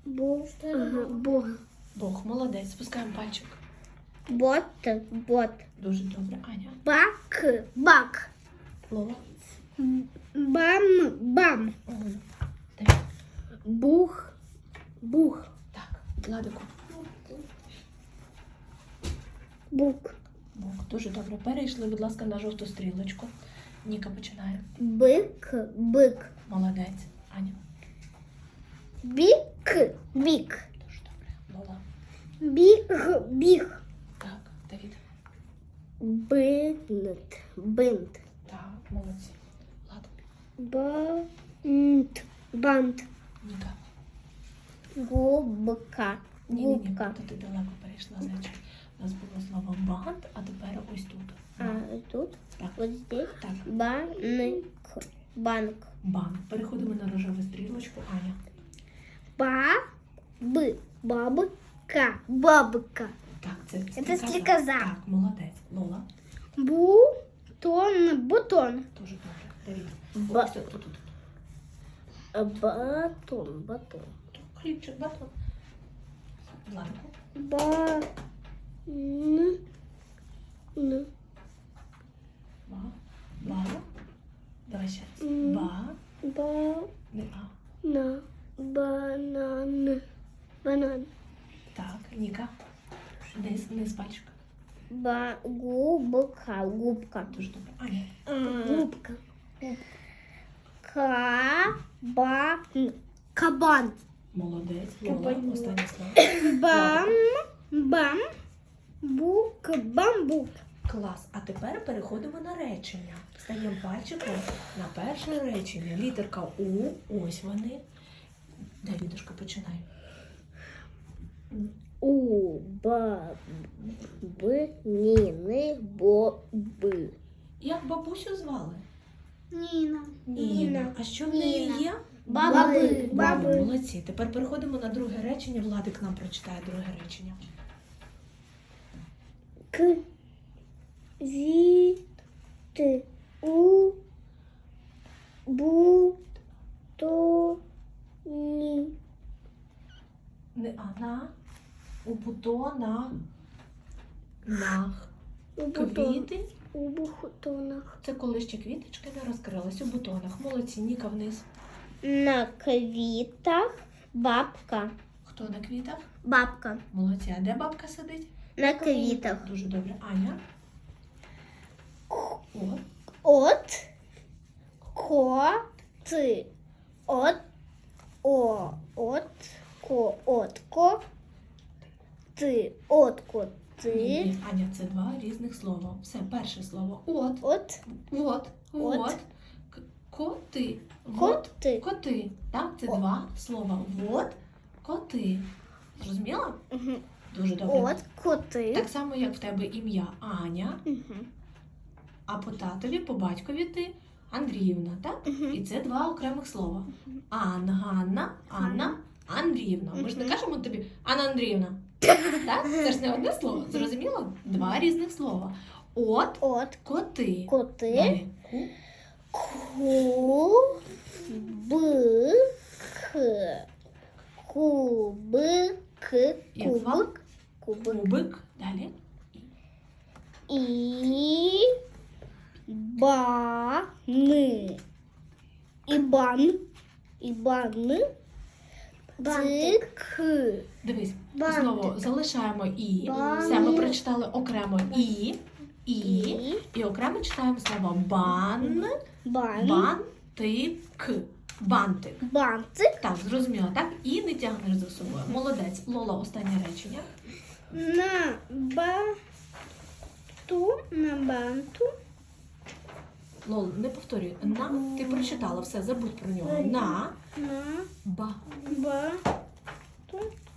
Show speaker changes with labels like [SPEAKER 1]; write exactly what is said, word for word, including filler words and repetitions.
[SPEAKER 1] Бог. Ага, Бог.
[SPEAKER 2] Бог, молодець. Спускаємо пальчик.
[SPEAKER 1] Бот. Бот.
[SPEAKER 2] Дуже добре. Аня.
[SPEAKER 1] Бак. Бак.
[SPEAKER 2] Лола.
[SPEAKER 1] Бам. Бам.
[SPEAKER 2] Угу. Давид.
[SPEAKER 1] Бух. Бух.
[SPEAKER 2] Так, Владику.
[SPEAKER 1] Бук.
[SPEAKER 2] Бог. Дуже добре. Перейшли, будь ласка, на жовту стрілочку. Ніка починає.
[SPEAKER 1] Бик. Бик.
[SPEAKER 2] Молодець. Аня.
[SPEAKER 1] Бік. Бік.
[SPEAKER 2] Дуже добре. Лола.
[SPEAKER 1] Біг. Біг.
[SPEAKER 2] Так, Давид.
[SPEAKER 1] Бинт. Бинт.
[SPEAKER 2] Так, молодці. Влад.
[SPEAKER 1] Бант. Бант.
[SPEAKER 2] Ніка.
[SPEAKER 1] Губка.
[SPEAKER 2] Ні-ні-ні,
[SPEAKER 1] Губка.
[SPEAKER 2] то ти далеко перейшла, зайчик. У нас було слово бант, а тепер ось тут.
[SPEAKER 1] А тут?
[SPEAKER 2] Так.
[SPEAKER 1] Вот здесь?
[SPEAKER 2] Так.
[SPEAKER 1] Банк. Банк.
[SPEAKER 2] Банк. Переходимо на рожеву стрілочку. Аня.
[SPEAKER 1] Ба. Б. Бабка. Бабка.
[SPEAKER 2] Так, це
[SPEAKER 1] Це стрікоза.
[SPEAKER 2] Так, молодець. Лола.
[SPEAKER 1] Бутон. Бутон.
[SPEAKER 2] Дуже добре. Давид.
[SPEAKER 1] Ба-
[SPEAKER 2] Ось тут, тут, тут.
[SPEAKER 1] Батон. Батон.
[SPEAKER 2] Хлібчик, батон. Владику.
[SPEAKER 1] Ба. Н. Н.
[SPEAKER 2] Ба. Ба. Давай ще раз.
[SPEAKER 1] М.
[SPEAKER 2] Ба.
[SPEAKER 1] Ба.
[SPEAKER 2] Не а.
[SPEAKER 1] На. Банан. Банан.
[SPEAKER 2] Так, Ніка. Низ, низ пальчика.
[SPEAKER 1] Ба. Губка. Губка.
[SPEAKER 2] Дуже добре. Аня.
[SPEAKER 1] Губка. Кабан. Кабан.
[SPEAKER 2] Молодець. Лола.
[SPEAKER 1] Кабан.
[SPEAKER 2] Останнє слово.
[SPEAKER 1] Бам. Бам. Бук. Бамбук.
[SPEAKER 2] Клас. А тепер переходимо на речення. Стаємо пальчиком на перше речення. Літерка У. Ось вони. Давідушка, починай.
[SPEAKER 1] У. Ба. Б. Ніни. Бо. Б.
[SPEAKER 2] Як бабусю звали?
[SPEAKER 1] Ніна.
[SPEAKER 2] Ніна. А що в неї
[SPEAKER 1] Ніна.
[SPEAKER 2] є?
[SPEAKER 1] Баби.
[SPEAKER 2] Баби. Молодці. Тепер переходимо на друге речення. Владик нам прочитає друге речення.
[SPEAKER 1] К. Зі. Т. У. Бу. То. Ні.
[SPEAKER 2] Не а на. У бутонах. Нах.
[SPEAKER 1] У бутон.
[SPEAKER 2] Квіти.
[SPEAKER 1] У бутонах.
[SPEAKER 2] Це коли ще квіточки не розкрились. У бутонах. Молодці. Ніка вниз.
[SPEAKER 1] На квітах бабка.
[SPEAKER 2] Хто на квітах?
[SPEAKER 1] Бабка.
[SPEAKER 2] Молодці. А де бабка сидить?
[SPEAKER 1] На квітах.
[SPEAKER 2] Дуже добре. Аня. От.
[SPEAKER 1] От. Коти. От. О. От. Ко. От. Ко. Ти. От. Ко.
[SPEAKER 2] Ні,
[SPEAKER 1] Ти.
[SPEAKER 2] ні, Аня, це два різних слова. Все, перше слово. От.
[SPEAKER 1] От.
[SPEAKER 2] От.
[SPEAKER 1] От.
[SPEAKER 2] От. К- Коти. Вот.
[SPEAKER 1] Коти.
[SPEAKER 2] Коти. Так, це
[SPEAKER 1] О.
[SPEAKER 2] два слова. Вот. Коти. Зрозуміла?
[SPEAKER 1] Мгм.
[SPEAKER 2] Дуже добре.
[SPEAKER 1] От. Коти.
[SPEAKER 2] Так само, як в тебе ім'я Аня,
[SPEAKER 1] Мгм.
[SPEAKER 2] а по татові, по батькові ти Андріївна, так?
[SPEAKER 1] Мгм.
[SPEAKER 2] І це два окремих слова. Ан, Ганна, Анна, Андріївна. Ми ж не
[SPEAKER 1] Мгм.
[SPEAKER 2] кажемо тобі Анна Андріївна. Так? Це ж не одне слово. Зрозуміло? Два різних слова. От,
[SPEAKER 1] От.
[SPEAKER 2] коти.
[SPEAKER 1] Коти.
[SPEAKER 2] Далі. Ку.
[SPEAKER 1] Ку. Б. К. Кубик.
[SPEAKER 2] Як звали?
[SPEAKER 1] Кубик. Кубик.
[SPEAKER 2] Кубик. Далі.
[SPEAKER 1] І. Бани. Ібан. Ібан. Цик.
[SPEAKER 2] Дивись,
[SPEAKER 1] Бантик.
[SPEAKER 2] знову залишаємо і.
[SPEAKER 1] Бантик.
[SPEAKER 2] Все, ми прочитали окремо і, і,
[SPEAKER 1] І.
[SPEAKER 2] і окремо читаємо слово бан,
[SPEAKER 1] Бан.
[SPEAKER 2] бантик. Бантик.
[SPEAKER 1] Бантик.
[SPEAKER 2] Так, зрозуміло, так? І не тягнеш за собою. Молодець. Лола, останнє речення.
[SPEAKER 1] На банту. На банту.
[SPEAKER 2] Лол, не повторюй. На, ти прочитала, все, забудь про нього. На,
[SPEAKER 1] На
[SPEAKER 2] ба,
[SPEAKER 1] ба.